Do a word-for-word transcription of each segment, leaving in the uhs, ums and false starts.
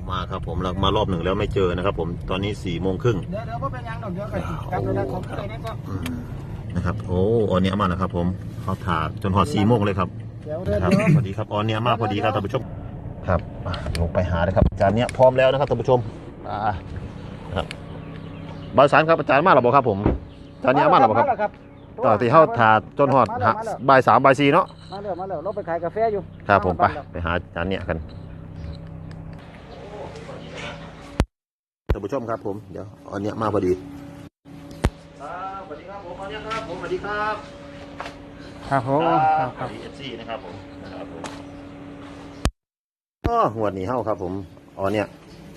มาครับผมเรามารอบหนึ่งแล้วไม่เจอนะครับผมตอนนี้สี่โมงครึ่งเดี๋ยวเดี๋ยวพ่เป็นยังดอกเดี๋ยวกันกับเราได้ของอะไรนี่ก็นะครับโอ้ออนเนี้ยมาแล้วครับผมเขาถาจนหอดสี่โมงเลยครับเดี๋ยวเดี๋ยวครับสวัสดีครับออนเนี้ยมาพอดีครับท่านผู้ชมครับลงไปหาเลยครับอาจารย์เนี้ยพร้อมแล้วนะครับท่านผู้ชมครับบริษัทครับอาจารย์มาหรือเปล่าครับผมอาจารย์เนี้ยมาหรือเปล่าครับต่อที่เขาถาจนหอดบ่ายสามบ่ายสี่เนาะมาแล้วมาแล้วเราไปขายกาแฟอยู่ครับผมไปไปหาอาจารย์เนี้ยกันท่านผู้ชมครับผมเดี๋ยวอันเนี้ยมาพอดีครับสวัสดีครับผมอันเนี้ยครับผมสวัสดีครับครับผมครับครับเอฟซีนะครับผมนะครับผมก็หัวหนีเฮ้าครับผมอันเนี้ย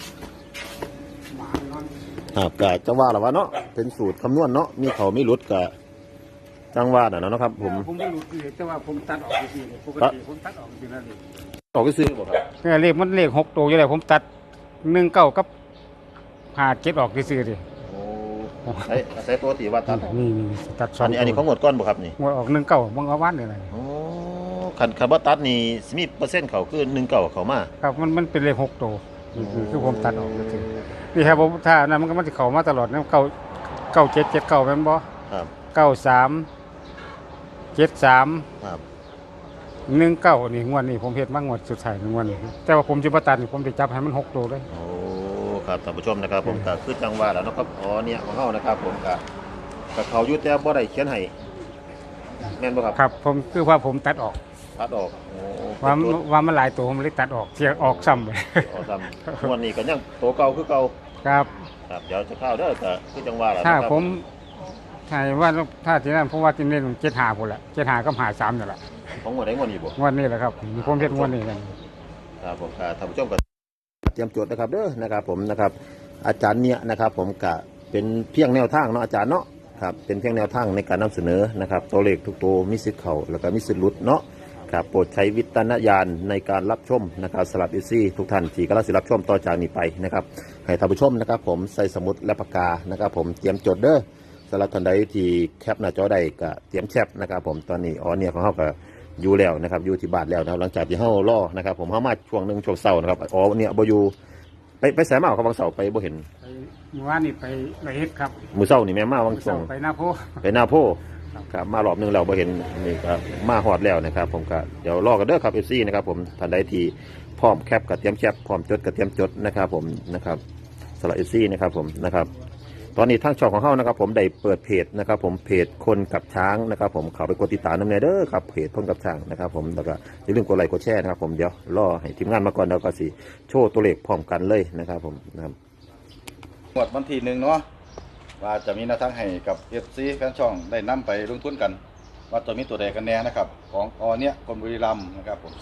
ครับกะจังหวะหรอวะเนาะเป็นสูตรคำนวณเนาะมีเขาไม่รุดกะจังหวะน่ะเนาะครับผมผมไม่รุดเลยแต่ว่าผมตัดออกจริงๆปกติผมตัดออกจริงๆแล้วเลยออกก็ซื้อบอกครับเลขมันเลขหกตัวอยู่เลยผมตัดหนึ่งเก้ากับหาเจ็ดออกซื้อดิโอ้ใช้ใช้ตัวตีว่าตัดนี่นี่ตัดสองอันนี้อันนี้เขาหมดก้อนบ่ครับนี่หมดออกหนึ่งเก้าบังเอาวันเลยโอ้ขันขันว่าตัดนี่มีเปอร์เซ็นต์เขาคือหนึ่งเก้าเขามาครับมันมันเป็นเลขหกตัวคือผมตัดออกจริงนี่ครับผมถ้านั้นมันก็มันจะเข้ามาตลอดนะเก้าเก้าเจ็ดเจ็ดเก้าเป็นบ่ครับเก้าสามเจ็ดสามครับหนึ่งเก้านี่งวดนี้ผมเห็นมากงวดสุดท้ายงวดนี้แต่ว่าผมจะประตัดนี่ผมจะจับให้มันหกตัวเลยโอ้ครับท่านผู้ชมนะครับผมก็คือจังหวะแล้วนะครับอ๋อเนี่ยของเฮานะครับผมก็กับเขาอยู่แต่บ่ได้เขียนให้แม่นบ่ครับครับผมคือว่าผมตัดออกตัดออกโอ้ว่าว่ามันหลายตัวผมเลยตัดออกเสียออกซ้ำเลยออกซ้ำงวดนี้ก็ยังตัวเก่าคือเก่าครับครับเดี๋ยวจะเข้าเด้อก็คือจังหวะแล้วถ้าผมถ้าว่าถ้าที่นั่นผมว่าที่นี่ผมเจ็ดหาผมแหละเจ็ดหาก็หาสามนี่แหละของงวดไหนงวดนี้บ่งวดนี้แหละครับผมเห็นงวดนี้กันครับผมครับท่านผู้ชมก็เตรียมจดนะครับเด้อนะครับผมนะครับอาจารย์เนี่ยนะครับผมก็เป็นเพียงแนวทางเนาะอาจารย์เนาะครับเป็นเพียงแนวทางในการนำเสนอนะครับตัวเลขทุกตัวมีสิทธิ์เข้าแล้วก็มีสิทธิ์หลุดเนาะครับโปรดใช้วิจารณญาณในการรับชมนะครับสำหรับอีซี่ทุกท่านที่กำลังรับชมต่อจากนี้ไปนะครับให้ท่านผู้ชมนะครับผมใส่สมุดและปากกานะครับผมเตรียมจดเด้อสำหรับท่านใดที่แคปหน้าจอได้ก็เตรียมแคปนะครับผมตอนนี้อ๋อเนี่ยของเขาก็อยู่แล้วนะครับอยู่ที่บ้านแล้วนะครับหลังจากที่เขาล่อนะครับผมเขามาช่วงหนึ่งช่วงเสาร์นะครับอ๋อเนี่ยบอยู่ไปไปแสมาเขาบางเสาร์ไปบ่เห็นเมื่อวานนี่ไปไปเฮ็ดครับมือเสาร์นี่แม่มาบางส่งไปหน้าโพไปหน้าโพครับมารอบนึงเราบ่เห็นนี่ก็มาฮอดแล้วนะครับผมก็เดี๋ยวรอกันเด้อครับเอฟซีนะครับผมท่านใดที่พร้อมแคปกับเตรียมแคปพร้อมจดกับเตรียมจดนะครับผมนะครับสำหรับเอฟซีนะครับผมนะครับตอนนี้ทางช่องของเขานะครับผมได้เปิดเพจนะครับผมเพจคนกับช้างนะครับผมเข้าไปกดติดตามน้ำเนเด้อครับเพจคนกับช้างนะครับผมแล้วก็อย่าลืมกดไลค์กดแชร์นะครับผมเดี๋ยวรอให้ทีมงานมาก่อนแล้วก็สิโชว์ตัวเลขพร้อมกันเลยนะครับผมนะครับหมดวันที่หนึ่งเนาะว่าจะมีแนวทางให้กับเอฟซีแฟนช่องได้นำไปลงทุนกันว่าจะมีตัวใดกันแน่นะครับของอเนี้ยคนบุรีรัมย์นะครับผม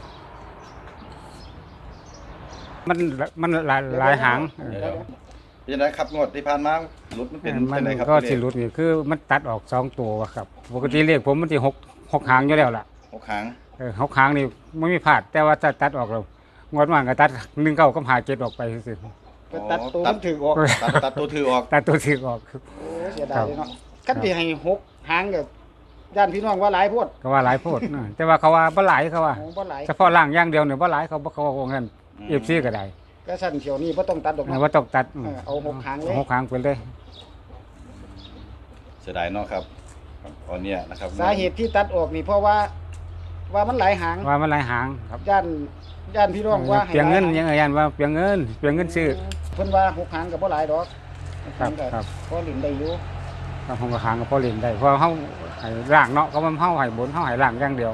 มันมันหลายหลายหางเป็นยังไงครับงวดที่ผ่านมาหลุดมันเป็นยังไงครับก็สิหลุดนี่คือมันตัดออกสองตัวครับปกติเลขผมมันจะหกหกหางอยู่แล้วล่ะหกหางเออหกหางนี่ไม่มีพลาดแต่ว่าถ้าตัดออกเรางวดว่างก็ตัดหนึ่งเก้าก็หาเจ็ดออกไปสิตัดตัวถือออกตัดตัวถือออกตัดตัวถือออกโอ้เสียดายเลยเนาะกันที่ให้หกหางกับย่านพี่น้องว่าหลายโพดก็ว่าหลายโพดแต่ว่าเขาว่าบ่หลายเขาว่าเฉพาะล่างอย่างเดียวเนี่ยบ่หลายเขาเขาว่างั้นเอฟซีก็ได้ก็สั่นเขียวนี่บ่ต้องตัดดอกบ่ต้องตัดเอาหกหางเลยหกหางไปเลยเสียดายเนาะครับตอนนี้นะครับสาเหตุที่ตัดออกนี่เพราะว่าว่ามันหลายหางว่ามันหลายหางครับย่านย่านพี่น้องว่าเปลี่ยนเงินยังไงย่านว่าเปลี่ยนเงินเปลี่ยนเงินซื้อเพิ่นว่าหกหางก็บ่หลายดอกครับครับพอหลินได้อยู่ครับหกหางก็พอหลินได้เพราะเฮาให้ล่างเนาะเขามันเฮาให้บนเฮาให้ล่างอย่างเดียว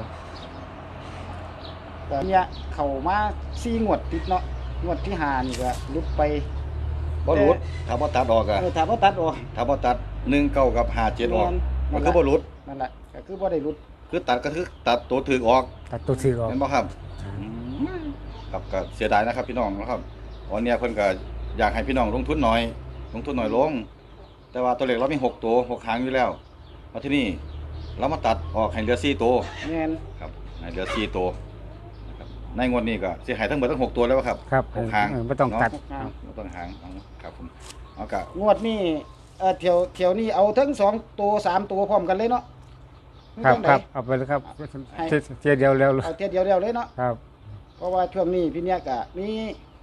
แต่เนี่ยเข้ามาสี่งวดติดเนาะงวดที่ห้านี่ก็หลุดไปบ่หลุดถ้าบ่ตัดออกอะถ้าบ่ตัดออกถ้าบ่ตัดหนึ่งเก้ากับห้าเจ็ดออกมันคือบ่หลุดนั่นแหละก็คือบ่ได้หลุดคือตัดก็คือตัดตัวถือออกตัดตัวถือออกเห็นบ่ครับครับก็เสียดายนะครับพี่น้องนะครับวันนี้เพิ่นก็อยากให้พี่น้องลงทุนน้อยลงทุนน้อยลงแต่ว่าตัวเลขเรามีหกตัวหกหางอยู่แล้วมาที่นี่เรามาตัดออกให้เหลือสี่ตัวแม่นครับให้เหลือสี่ตัวนะครับในงวดนี้ก็สิให้ทั้งหมดทั้งหกตัวแล้วครับครับหกหางบ่ต้องตัดบ่ต้องหางครับผมเอาก็งวดนี้เอ่อเที่ยวเที่ยวนี้เอาทั้งสองตัวสามตัวพร้อมกันเลยเนาะครับครับเอาไปเลยครับเทียเดียวเร็วเอาเทียเดียวเร็วเลยเนาะครับเพราะว่าช่วงนี้พี่เนี่ยก็มี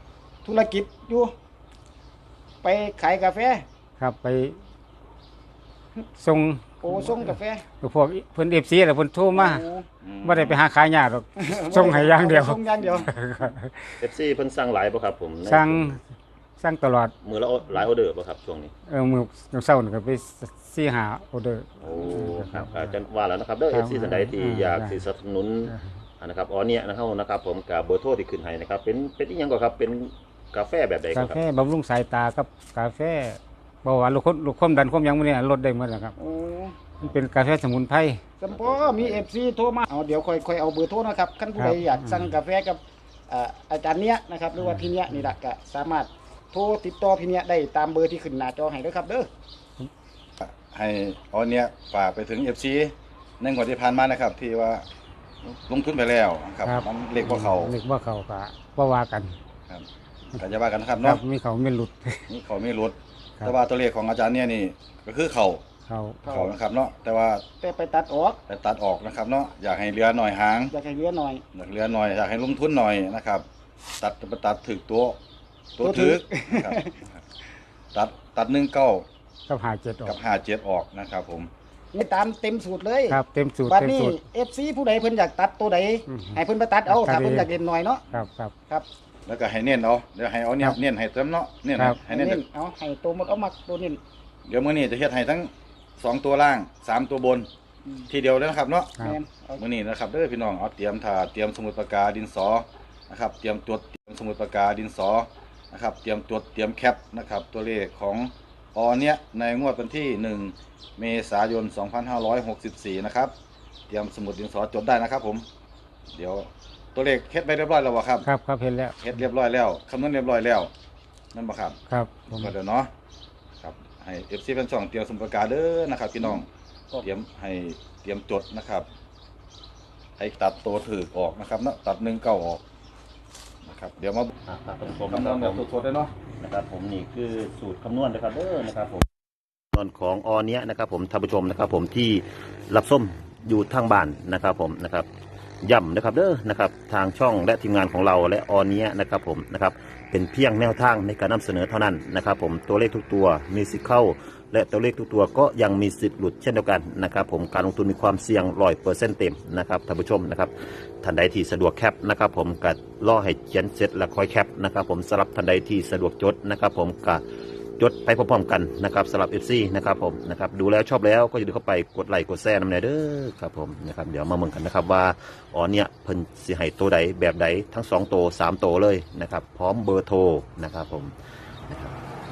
ธุรกิจอยู่ไปขายกาแฟครับไปส่งโอ้ส่งกาแฟพวกเพิ่น เอฟ ซี แล้วเพิ่นโทรมาโอ้บ่ได้ไปหาขายยากหรอก ส่งให้อย่างเดียวส่งอย่างเดียวเอฟซีเพิ่นสั่งหลายบ่ครับผมในสั่งสั่งตลอดมือละหลายออเดอร์บ่ครับช่วงนี้เออมื้อมื้อเช้านี่ก็ไปสี่ห้าออเดอร์โอ้ครับอาจารย์ว่าแล้วนะครับเด้อครัเอบ ฟซีท่านใดที่อ่าอยากได้สิสนับสนุนอ่านะครับอ๋อเนี่ยนะครับนะครับผมกับเบอร์โทรที่ขึ้นให้นะครับเป็นเป็นอีหยังก็ครับเป็นกาแฟแบบใดคการับแฟบำรุงสายตากับกาแฟเบาหวานลดความลดความดันความหยังมื้อนี้ลดได้หมดแล้วครับโอ้มันเป็นกาแฟสมุนไพรสมพอมี เอฟ ซี โทรมาเอาเดี๋ยวค่อยค่อยเอาเบอร์โทรนะครับคันผู้ใดครับอยากสั่งกาแฟกับอ่าอาจารย์เนี้ยนะครับหรือว่าพี่เนี้ยนี่แหละก็สามารถโทรติดต่อพี่เนี้ยได้ตามเบอร์ที่ขึ้นหน้าจอให้เด้อครับเด้อให้เอาเนี้ยฝากไปถึง เอฟ ซี ในงวดที่ผ่านมานะครับ ที่ว่าลงทุนไปแล้วครับมันเลขบ่เขาเลขบ่เข้าก็บ่ว่ากันครับก็จะว่ากันนะครับครัเนาะบมีเขาไม่หลุดนี่เขาไม่ลดครับแต่ว่าตัวเลขของอาจารย์เนี่ยนี่ก็คือเขาเขาเขานะครับเนาะแต่ว่าแต่ไปตัดออกแต่ตัดออกนะครับเนาะอยากให้เหลือหน่อยหางอยากให้เหลือหน่อยอยากเหลือหน่อยอยากให้ลงทุนหน่อยนะครับ ตัดตัดถึกตัวตัวตัวถึถึกกนะครับตัดตัดหนึ่งเก้ากับหาเจ็ดออกับกห้าเจ็ดออกนะครับผมนี่ตามเต็มสูตรเลยครับเต็มสูตรบัดเต็มนี้สูตรเอฟซีผู้ใดเพิ่นอยากตัดตัวใดอืมให้เพิ่นไปตัดเอาตัดถ้าเพิ่นเองอยากเล่นหน่อยเนาะครับครับครับแล้วก็ให้เน้นเอาเดี๋ยวให้เอาเนี่ยครับเน้นให้เต็มเนาะเน้นครับให้เน้นเน้นเอาให้ตัวหมดเอามักตัวนี้เดี๋ยวมื้อนี้จะเฮ็ดให้ทั้งสองตัวล่างสามตัวบนอืมทีเดียวเลยนะครับเนาะครับแม่นเอามื่อนี้นะครับเด้อพี่น้องเอาเตรียมถาเตรียมสมุดปากกาดินสอนะครับเตรียมตัวเตรียมสมุดปากกาดินสอนะครับเตรียมตัวเตรียมแคปนะครับตัวเลขของออเนี้ยในงวดวันที่หนึ่งเมษายนสองพันห้าร้อยหกสิบสี่นะครับเตรียมสมุดดินสอจดได้นะครับผมเดี๋ยวตัวเลขเฮ็ดไปเรียบร้อยแล้วบ่ครับครับครับเห็นแล้วเฮ็ดเรียบร้อยแล้วคำนวณเรียบร้อยแล้วนั่นบ่ครับครับผมก็เดี๋ยวเนาะครับให้ เอฟ ซี เป็นช่องเตรียมสมุดปากกาเด้อนะครับพี่น้องเตรียมให้เตรียมจดนะครับ ให้ตัดตัวถือออกนะครับเนาะตัดหนึ่งเก้าออกนะครับเดี๋ยวมาอ่าครับท่านผู้ชมคำนนะวณคแบรับบผมสดๆได้เนาะนะครับผมนี่คือสูตรคำนวณนะครับเด้อนะครับผมคำนวณของออเนี้ยนะครับผมท่านผู้ชมนะครับผมที่รับส้มอยู่ทางบ้านนะครับผมนะครับย่ำนะครับเด้อนะครับทางช่องและทีมงานของเราและออเนี้ยนะครับผมนะครับเป็นเพียงแนวทางในการนำเสนอเท่านั้นนะครับผมตัวเลขทุกตัวมีสิทธิ์เข้า และตัวเลขทุกตัวก็ยังมีสิทธิ์หลุดเช่นเดียวกันนะครับผมการลงทุนมีความเสี่ยงร้อยเปอร์เซ็นต์เต็มนะครับท่านผู้ชมนะครับท่านใดที่สะดวกแคปนะครับผมก็ล่อให้เขียนเสร็จแล้วค่อยแคปนะครับผมสำหรับท่านใดที่สะดวกจดนะครับผมก็จดไปพร้อมๆกันนะครับสำหรับ เอฟ ซี นะครับผมนะครับดูแล้วชอบแล้วก็อย่าลืมเข้าไปกดไลค์กดแชร์น้ำเนยเด้อครับผมนะครับเดี๋ยวมาเมืองกันนะครับว่าอ๋อเนี่ยเพิ่นสิให้ตัวใดแบบใดทั้งสองตัวสามตัวเลยนะครับพร้อมเบอร์โทรนะครับผมนะครับ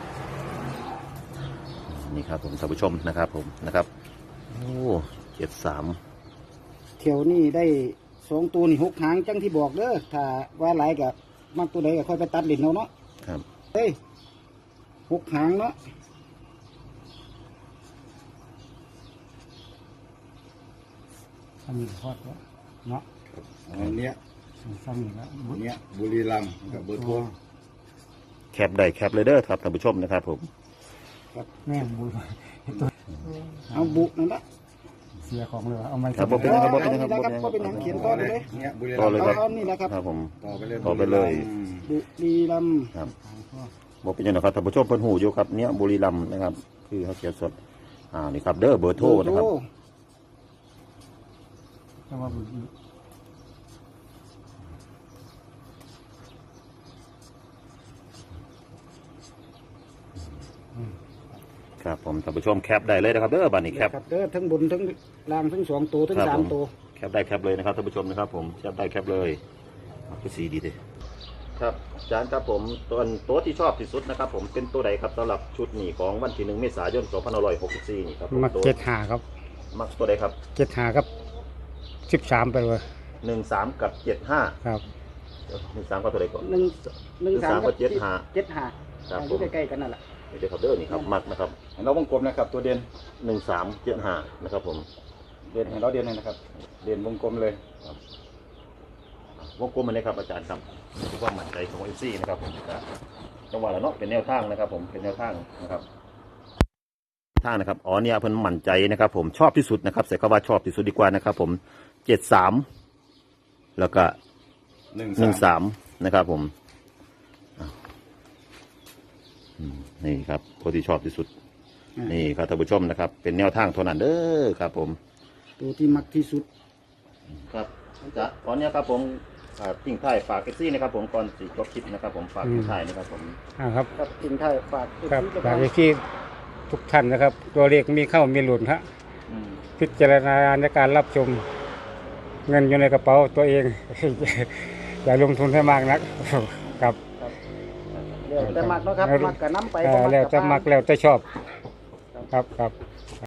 นี่ครับผมท่านผู้ชมนะครับผมนะครับโอ้เจ็ดสามเที่ยวนี้ได้สองตัวนี่หกหางจังที่บอกเด้อถ้าว่าหลายก็มักตัวใดก็ค่อยไปตัดลิ้นเอาเนาะครับเฮ้ยหกหางเนาะอันนี้ทอดแล้วเนาะอันเนี้ยสั่งนี่แล้วอันเนี้ยบุรีรัมย์กับเบอร์โทรแคปได้แคปเลยเด้อครับท่านผู้ชมนะครับผมแม่บุญเอาบุนั่นละเสียของเลยว่ะเอาไม้ครับบ่เป็นหยังครับบ่เป็นหยังครับเอาบ่นี่เป็นหละยังครับบ่เป็นหยังเขียนต่อไปเลยเนี้ยบุรีต่รัอมย์เลยเอาครับเอานี่ละครับครับผมต่อไปเลยต่อไปเลยบุรีรัมย์ครับบ่เป็นหยังนะครับท่านผู้ชมเพิ่นหูอยู่ครับเนี้ยบุรีรัมย์นะครับ คือเขาเขียนสดอ่านี่ครับเด้อเบอร์โทรนะครับแต่ว่ามันครับผมท่านผู้ชมแคปได้เลยนะครับเด้อบัดนี้แคปครับเด้อทั้งบนทั้งล่างทั้งสองตัวทั้งครับสามผมตัวแคปได้แคปเลยนะครับท่านผู้ชมนะครับผมแคปได้แคปเลยคือสีดีเลยครับอาจารย์ครับผมตัวตัวที่ชอบที่สุดนะครับผมเป็นตัวใดครับสำหรับชุดนี้ของวันที่หนึ่งเมษายนสองพันห้าร้อยหกสิบสี่นี่ครับผมมาตัวเจ็ดหาครับมักตัวใดครับเจ็ดหาครับสิบสามไปเลยหนึ่งสามกับเจ็ดห้าครับหนึ่งสามกับตัวใดก่อนหนึ่งหนึ่งสามหนึ่งสามกับเจ็ดห้าเจ็ดห้าครับอผยู่มใกล้ๆกันนั่นแหละเดี๋ยวครับเด้อนี่ครับมักนะครับให้เราวงกลมนะครับตัวเด่นหนึ่งสามเจ็ดห้านะครับผมเด่นให้เราเด่นเลยนะครับเด่นวงกลมเลยวงกลมมาเลยครับอาจารย์ครับคือความมั่นใจของเอฟซีนะครับผมครับจังหวะละเนาะเป็นแนวทางนะครับ ผมเป็นแนวทางนะครับทางนะครับอ๋อเนี่ยเพิ่นมั่นใจนะครับ ผมชอบที่สุดนะครับใส่คำว่าชอบที่สุดดีกว่านะครับ ผมเจ็ดสามแล้วก็หนึ่งหนึ่งสาสาม มนะครับผมอ่ะอืมนี่ครับตัวที่ชอบที่สุดอ่านี่ครับท่านผู้ชมนะครับ เป็นแนวทางเท่านั้นเด้อครับผมตัวที่มักที่สุดครับจะขอเนี้ยครับผมอ่าทิ้งท้ายฝากเอฟซีนะครับผมก่อนสิจบคลิปนะครับผมฝากทิ้งท้ายนะครับผมอ่าครับครับทิ้งท้ายฝากครับเอฟซีฝากไว้ที่ทุกท่านนะครับ ตัวเลขมีเข้ามีหลุดฮะอืมพิจารณาในการรับชม เงินอยู่ในกระเป๋าตัวเอง อย่าลงทุนให้มากนัก ครับแล้วแต่มักเนาะครับมักกับน้ำไปเอ่บ่อมักแล้วกับแต่ผ่านมักแล้วแต่ชอบ ครับครับ